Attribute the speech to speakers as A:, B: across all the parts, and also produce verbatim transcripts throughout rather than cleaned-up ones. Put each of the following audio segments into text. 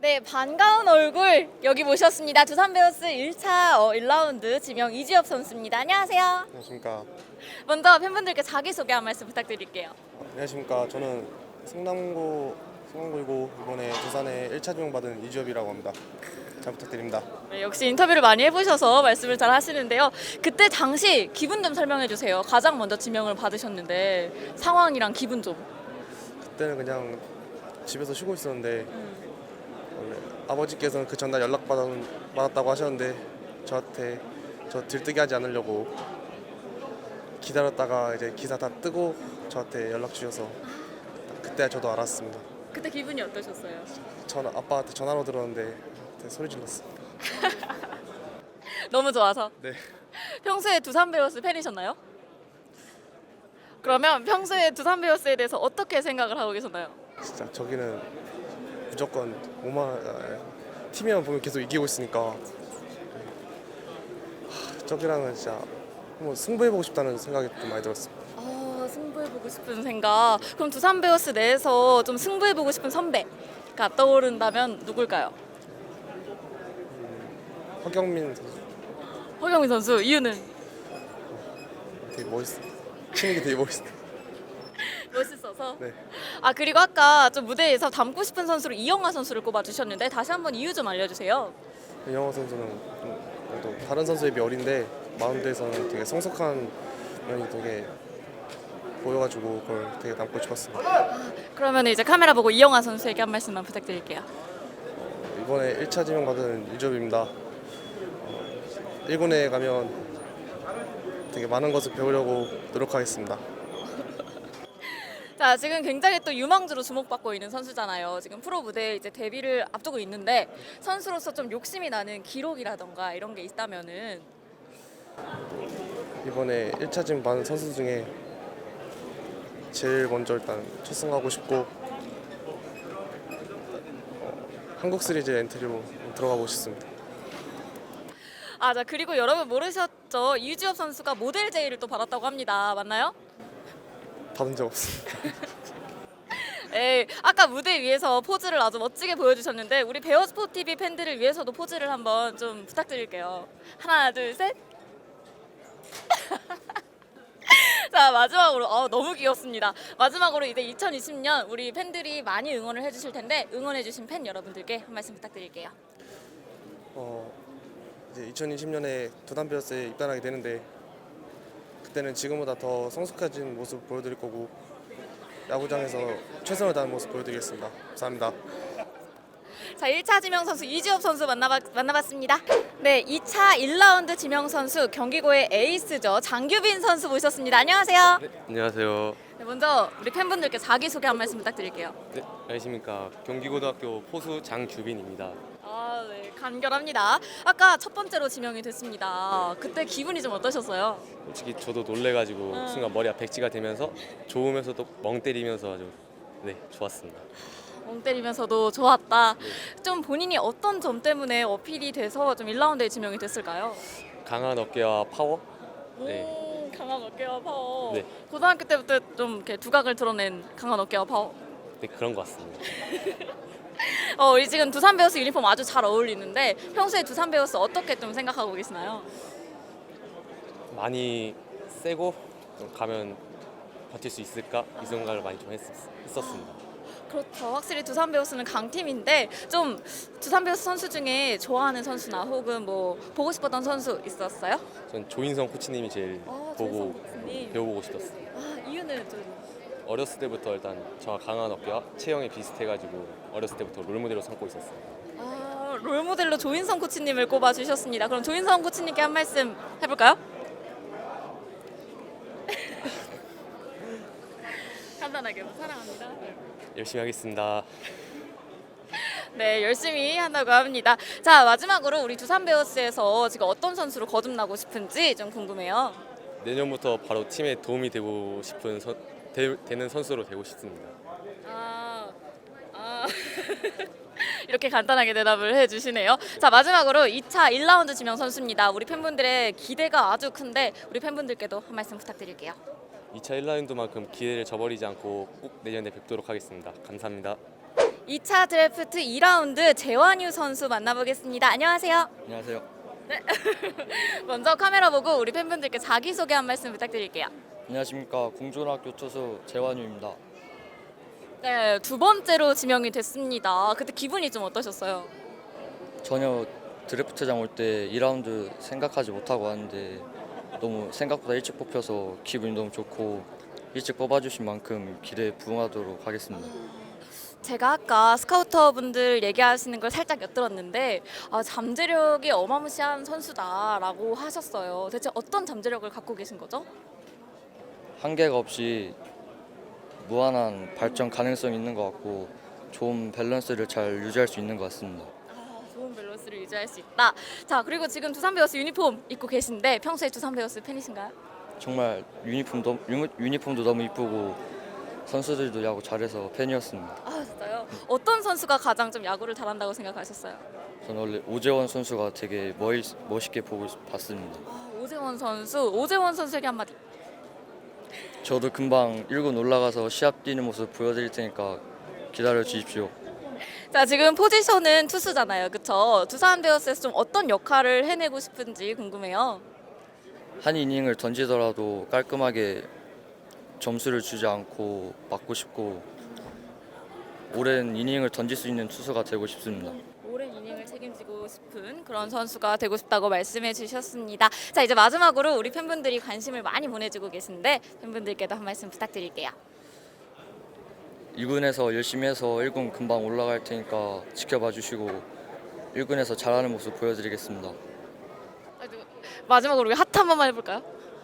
A: 네, 반가운 얼굴 여기 모셨습니다. 두산 베어스 일 차 어, 일 라운드 지명 이지엽 선수입니다. 안녕하세요.
B: 안녕하십니까.
A: 먼저 팬분들께 자기소개 한 말씀 부탁드릴게요.
B: 안녕하십니까. 저는 성남고 성남고이고 이번에 두산에 일 차 지명받은 이주엽이라고 합니다. 잘 부탁드립니다.
A: 네, 역시 인터뷰를 많이 해보셔서 말씀을 잘 하시는데요. 그때 당시 기분 좀 설명해 주세요. 가장 먼저 지명을 받으셨는데 상황이랑 기분 좀.
B: 그때는 그냥 집에서 쉬고 있었는데
A: 음.
B: 원래 아버지께서는 그 전날 연락 받았, 받았다고 하셨는데 저한테 저 들뜨게 하지 않으려고 기다렸다가 이제 기사 다 뜨고 저한테 연락 주셔서 그때 저도 알았습니다.
A: 그때 기분이 어떠셨어요?
B: 전 아빠한테 전화로 들었는데 그때 소리 질렀습니다.
A: 너무 좋아서.
B: 네.
A: 평소에 두산 베어스 팬이셨나요? 그러면 평소에 두산 베어스에 대해서 어떻게 생각을 하고 계셨나요?
B: 진짜 저기는 무조건 오만 팀이만 보면 계속 이기고 있으니까 하, 저기랑은 진짜 한번 승부해보고 싶다는 생각이 좀 많이 들었습니다.
A: 아, 승부해보고 싶은 생각. 그럼 두산 베어스 내에서 좀 승부해보고 싶은 선배가 떠오른다면 누굴까요?
B: 허경민 선수
A: 허경민 선수. 이유는
B: 되게 멋있어. 치는 게 되게 멋있어.
A: 멋있어서.
B: 네.
A: 아, 그리고 아까 좀 무대에서 닮고 싶은 선수로 이영하 선수를 꼽아주셨는데 다시 한번 이유 좀 알려주세요.
B: 이영호 선수는 좀 그래도 다른 선수에 비해 어린데 마운드에서는 되게 성숙한 면이 되게 보여가지고 그걸 되게 닮고 싶었습니다.
A: 그러면 이제 카메라 보고 이영하 선수에게 한 말씀만 부탁드릴게요.
B: 이번에 일 차 지명 받은 이주엽입니다. 어, 일 군에 가면 되게 많은 것을 배우려고 노력하겠습니다.
A: 자, 지금 굉장히 또 유망주로 주목받고 있는 선수잖아요. 지금 프로 무대에 이제 데뷔를 앞두고 있는데 선수로서 좀 욕심이 나는 기록이라던가 이런 게 있다면은.
B: 이번에 일 차 지명 받은 선수 중에 제일 먼저 일단 첫승하고 싶고 어, 한국 시리즈 엔트리로 들어가고 싶습니다.
A: 아, 자, 그리고 여러분 모르셨죠? 이주엽 선수가 모델 제의를 또 받았다고 합니다. 맞나요?
B: 받은 적 없습니다.
A: 네, 아까 무대 위에서 포즈를 아주 멋지게 보여주셨는데 우리 베어스포티비 팬들을 위해서도 포즈를 한번 좀 부탁드릴게요. 하나, 둘, 셋. 자, 마지막으로 어, 너무 귀엽습니다. 마지막으로 이제 이천이십 년 우리 팬들이 많이 응원을 해주실 텐데 응원해주신 팬 여러분들께 한 말씀 부탁드릴게요.
B: 어, 이제 이천이십 년에 두산 베어스에 입단하게 되는데 그때는 지금보다 더 성숙해진 모습 보여드릴 거고 야구장에서 최선을 다하는 모습 보여드리겠습니다. 감사합니다.
A: 자, 일 차 지명 선수 이주엽 선수 만나봤, 만나봤습니다. 네, 이 차 일 라운드 지명 선수 경기고의 에이스죠. 장규빈 선수 모셨습니다. 안녕하세요.
C: 네, 안녕하세요.
A: 네, 먼저 우리 팬분들께 자기소개 한 말씀 부탁드릴게요.
C: 네, 안녕하십니까. 경기고등학교 포수 장규빈입니다.
A: 아, 네, 간결합니다. 아까 첫 번째로 지명이 됐습니다. 그때 기분이 좀 어떠셨어요?
C: 솔직히 저도 놀래가지고
A: 음.
C: 순간 머리가 백지가 되면서 좋으면서도 멍 때리면서 아주 네 좋았습니다.
A: 멍 때리면서도 좋았다. 좀 본인이 어떤 점 때문에 어필이 돼서 좀 일 라운드에 지명이 됐을까요?
C: 강한 어깨와 파워. 네.
A: 오, 강한 어깨와 파워.
C: 네.
A: 고등학교 때부터 좀 이렇게 두각을 드러낸 강한 어깨와 파워.
C: 네 그런 것 같습니다.
A: 어, 우리 지금 두산 베어스 유니폼 아주 잘 어울리는데 평소에 두산 베어스 어떻게 좀 생각하고 계시나요?
C: 많이 세고 좀 가면 버틸 수 있을까 이 생각을 많이 좀 했, 했었습니다.
A: 그렇죠. 확실히 두산 베어스는 강팀인데 좀 두산 베어스 선수 중에 좋아하는 선수나 혹은 뭐 보고 싶었던 선수 있었어요?
C: 전 조인성 코치님이 제일
A: 아,
C: 보고
A: 조인성 코치님.
C: 배워보고 싶었어요.
A: 아, 이유는 좀
C: 어렸을 때부터 일단 저와 강한 어깨와 체형이 비슷해가지고 어렸을 때부터 롤모델로 삼고 있었어요.
A: 아, 롤모델로 조인성 코치님을 꼽아 주셨습니다. 그럼 조인성 코치님께 한 말씀 해볼까요? 간단하게 사랑합니다.
C: 열심히 하겠습니다.
A: 네, 열심히 한다고 합니다. 자, 마지막으로 우리 두산 베어스에서 지금 어떤 선수로 거듭나고 싶은지 좀 궁금해요.
C: 내년부터 바로 팀에 도움이 되고 싶은 선, 되, 되는 선수로 되고 싶습니다.
A: 아, 아. 이렇게 간단하게 대답을 해주시네요. 자, 마지막으로 이 차 일 라운드 지명 선수입니다. 우리 팬분들의 기대가 아주 큰데 우리 팬분들께도 한 말씀 부탁드릴게요.
C: 이 차 일 라운드만큼 기회를 저버리지 않고 꼭 내년에 뵙도록 하겠습니다. 감사합니다.
A: 이 차 드래프트 이 라운드 재환유 선수 만나보겠습니다. 안녕하세요.
D: 안녕하세요.
A: 먼저 카메라 보고 우리 팬분들께 자기소개 한 말씀 부탁드릴게요.
D: 안녕하십니까. 공존학교 투수 재환유입니다.
A: 네, 두 번째로 지명이 됐습니다. 그때 기분이 좀 어떠셨어요?
D: 전혀 드래프트장 올 때 이 라운드 생각하지 못하고 왔는데 너무 생각보다 일찍 뽑혀서 기분이 너무 좋고 일찍 뽑아주신 만큼 기대에 부응하도록 하겠습니다.
A: 제가 아까 스카우터분들 얘기하시는 걸 살짝 엿들었는데 아, 잠재력이 어마무시한 선수다라고 하셨어요. 대체 어떤 잠재력을 갖고 계신 거죠?
D: 한계가 없이 무한한 발전 가능성이 있는 것 같고 좋은 밸런스를 잘 유지할 수 있는 것 같습니다.
A: 아, 좋은 밸런스를 유지할 수 있다. 자, 그리고 지금 두산 베어스 유니폼 입고 계신데 평소에 두산 베어스 팬이신가요?
D: 정말 유니폼도, 유- 유니폼도 너무 이쁘고 선수들도 야구 잘해서 팬이었습니다.
A: 아, 진짜요? 어떤 선수가 가장 좀 야구를 잘한다고 생각하셨어요?
D: 저는 원래 오재원 선수가 되게 멋, 멋있게 보고 봤습니다.
A: 아, 오재원 선수, 오재원 선수에게 한마디.
D: 저도 금방 일 군 올라가서 시합 뛰는 모습 보여드릴 테니까 기다려 주십시오.
A: 자, 지금 포지션은 투수잖아요, 그렇죠? 두산 베어스에서 좀 어떤 역할을 해내고 싶은지 궁금해요.
D: 한 이닝을 던지더라도 깔끔하게 점수를 주지 않고 맞고 싶고 오랜 이닝을 던질 수 있는 투수가 되고 싶습니다.
A: 오랜 이닝을 책임지고 싶은 그런 선수가 되고 싶다고 말씀해 주셨습니다. 자, 이제 마지막으로 우리 팬분들이 관심을 많이 보내주고 계신데 팬분들께도 한 말씀 부탁드릴게요.
D: 이 군에서 열심히 해서 일 군 금방 올라갈 테니까 지켜봐 주시고 일 군에서 잘하는 모습 보여드리겠습니다.
A: 마지막으로 우리 하트 한 번만 해볼까요?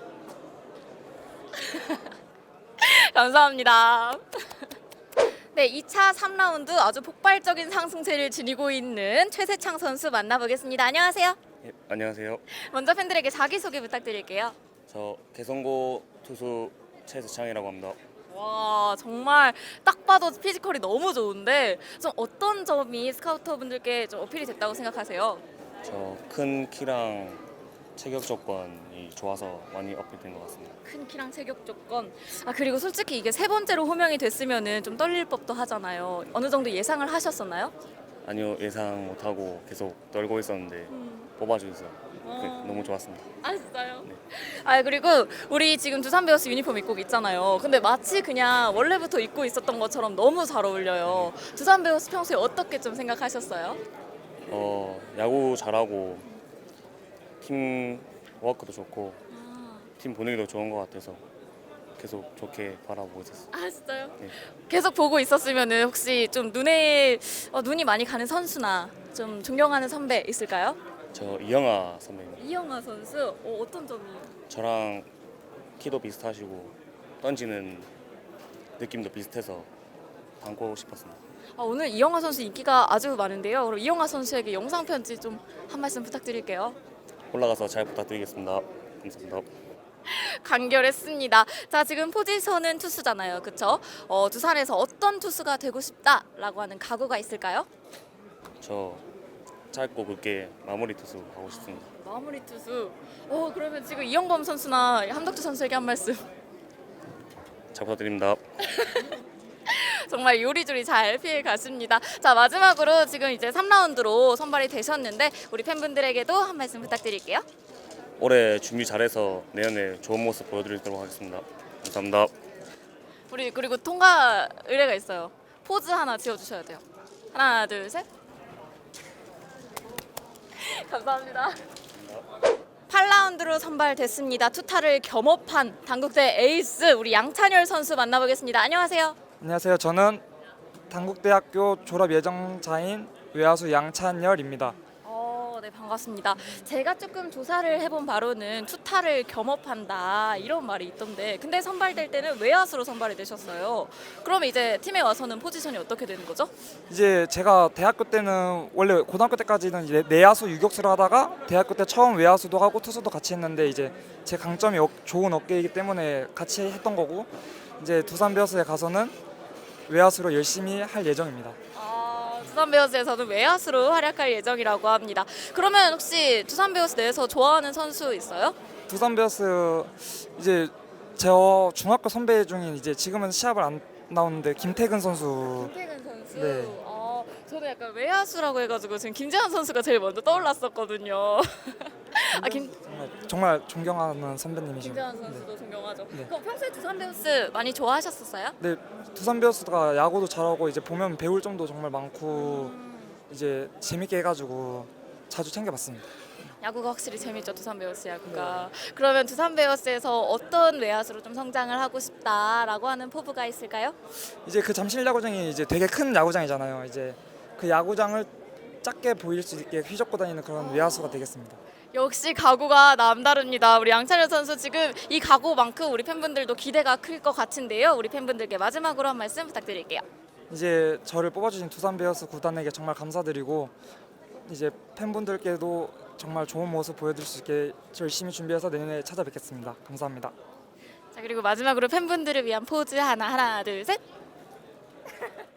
A: 감사합니다. 네, 이 차 삼 라운드 아주 폭발적인 상승세를 지니고 있는 최세창 선수 만나보겠습니다. 안녕하세요.
E: 예, 안녕하세요.
A: 먼저 팬들에게 자기소개 부탁드릴게요.
E: 저 개성고 투수 최세창이라고 합니다.
A: 와, 정말 딱 봐도 피지컬이 너무 좋은데 좀 어떤 점이 스카우터 분들께 좀 어필이 됐다고 생각하세요?
E: 저 큰 키랑 체격 조건이 좋아서 많이 어필된 것 같습니다.
A: 큰 키랑 체격 조건. 아, 그리고 솔직히 이게 세 번째로 호명이 됐으면은 좀 떨릴 법도 하잖아요. 어느 정도 예상을 하셨었나요?
E: 아니요, 예상 못하고 계속 떨고 있었는데 뽑아주셔서
A: 어.
E: 너무 좋았습니다.
A: 아, 진짜요? 아, 그리고 우리 지금 두산 베어스 유니폼 입고 있잖아요. 근데 마치 그냥 원래부터 입고 있었던 것처럼 너무 잘 어울려요. 두산 베어스 평소에 어떻게 좀 생각하셨어요?
E: 어, 야구 잘하고 팀 워크도 좋고 팀 분위기도 좋은 것 같아서 계속 좋게 바라보고 있었어요.
A: 아, 진짜요?
E: 네.
A: 계속 보고 있었으면은 혹시 좀 눈에 어, 눈이 많이 가는 선수나 좀 존경하는 선배 있을까요?
E: 저 이영하 선배님,
A: 이영하 선수. 어, 어떤 점이?
E: 저랑 키도 비슷하시고 던지는 느낌도 비슷해서 닮고 싶었습니다.
A: 아, 오늘 이영하 선수 인기가 아주 많은데요. 그럼 이영하 선수에게 영상 편지 좀 한 말씀 부탁드릴게요.
E: 올라가서 잘 부탁드리겠습니다. 감사합니다.
A: 간결했습니다. 자, 지금 포지션은 투수잖아요, 그렇죠? 어, 두산에서 어떤 투수가 되고 싶다라고 하는 각오가 있을까요?
E: 저 짧고 굵게 마무리 투수 하고 싶습니다.
A: 마무리 투수. 어, 그러면 지금 이영범 선수나 함덕주 선수에게 한 말씀.
E: 잘 부탁드립니다.
A: 정말 요리조리 잘 피해 가십니다. 자, 마지막으로 지금 이제 삼 라운드로 선발이 되셨는데 우리 팬분들에게도 한 말씀 부탁드릴게요.
E: 올해 준비 잘해서 내년에 좋은 모습 보여드리도록 하겠습니다. 감사합니다.
A: 우리 그리고 통과 의뢰가 있어요. 포즈 하나 지어주셔야 돼요. 하나, 둘, 셋. 감사합니다. 팔 라운드로 선발됐습니다. 투타를 겸업한 당국대 에이스 우리 양찬열 선수 만나보겠습니다. 안녕하세요.
F: 안녕하세요. 저는 당국대학교 졸업 예정자인 외야수 양찬열입니다.
A: 어, 네, 반갑습니다. 제가 조금 조사를 해본 바로는 투타를 겸업한다 이런 말이 있던데, 근데 선발될 때는 외야수로 선발이 되셨어요. 그러면 이제 팀에 와서는 포지션이 어떻게 되는 거죠?
F: 이제 제가 대학교 때는 원래 고등학교 때까지는 이제 내야수 유격수를 하다가 대학교 때 처음 외야수도 하고 투수도 같이 했는데 이제 제 강점이 어, 좋은 어깨이기 때문에 같이 했던 거고, 이제 두산 베어스에 가서는 외야수로 열심히 할 예정입니다.
A: 아, 두산 베어스에서는 외야수로 활약할 예정이라고 합니다. 그러면 혹시 두산 베어스 내에서 좋아하는 선수 있어요?
F: 두산 베어스 이제 저 중학교 선배 중인 이제 지금은 시합을 안 나오는데 김태근 선수.
A: 김태근 선수.
F: 네.
A: 어, 저는 약간 외야수라고 해가지고 지금 김재환 선수가 제일 먼저 떠올랐었거든요. 아, 김,
F: 정말, 정말 존경하는 선배님이시죠.
A: 김재환 선수도 존경하죠.
F: 네.
A: 그럼 평소에 두산 베어스 많이 좋아하셨었어요?
F: 네, 두산 베어스가 야구도 잘하고 이제 보면 배울 점도 정말 많고 이제 재밌게 해가지고 자주 챙겨봤습니다.
A: 야구가 확실히 재밌죠, 두산 베어스 야구가. 그러면 두산 베어스에서 어떤 외야수로 좀 성장을 하고 싶다라고 하는 포부가 있을까요?
F: 이제 그 잠실 야구장이 이제 되게 큰 야구장이잖아요. 이제 그 야구장을 작게 보일 수 있게 휘젓고 다니는 그런 외야수가 되겠습니다.
A: 역시 각오가 남다릅니다. 우리 양찬현 선수 지금 이 각오만큼 우리 팬분들도 기대가 클 것 같은데요. 우리 팬분들께 마지막으로 한 말씀 부탁드릴게요.
F: 이제 저를 뽑아주신 두산 베어스 구단에게 정말 감사드리고 이제 팬분들께도 정말 좋은 모습 보여드릴 수 있게 열심히 준비해서 내년에 찾아뵙겠습니다. 감사합니다.
A: 자, 그리고 마지막으로 팬분들을 위한 포즈 하나 하나 둘 셋.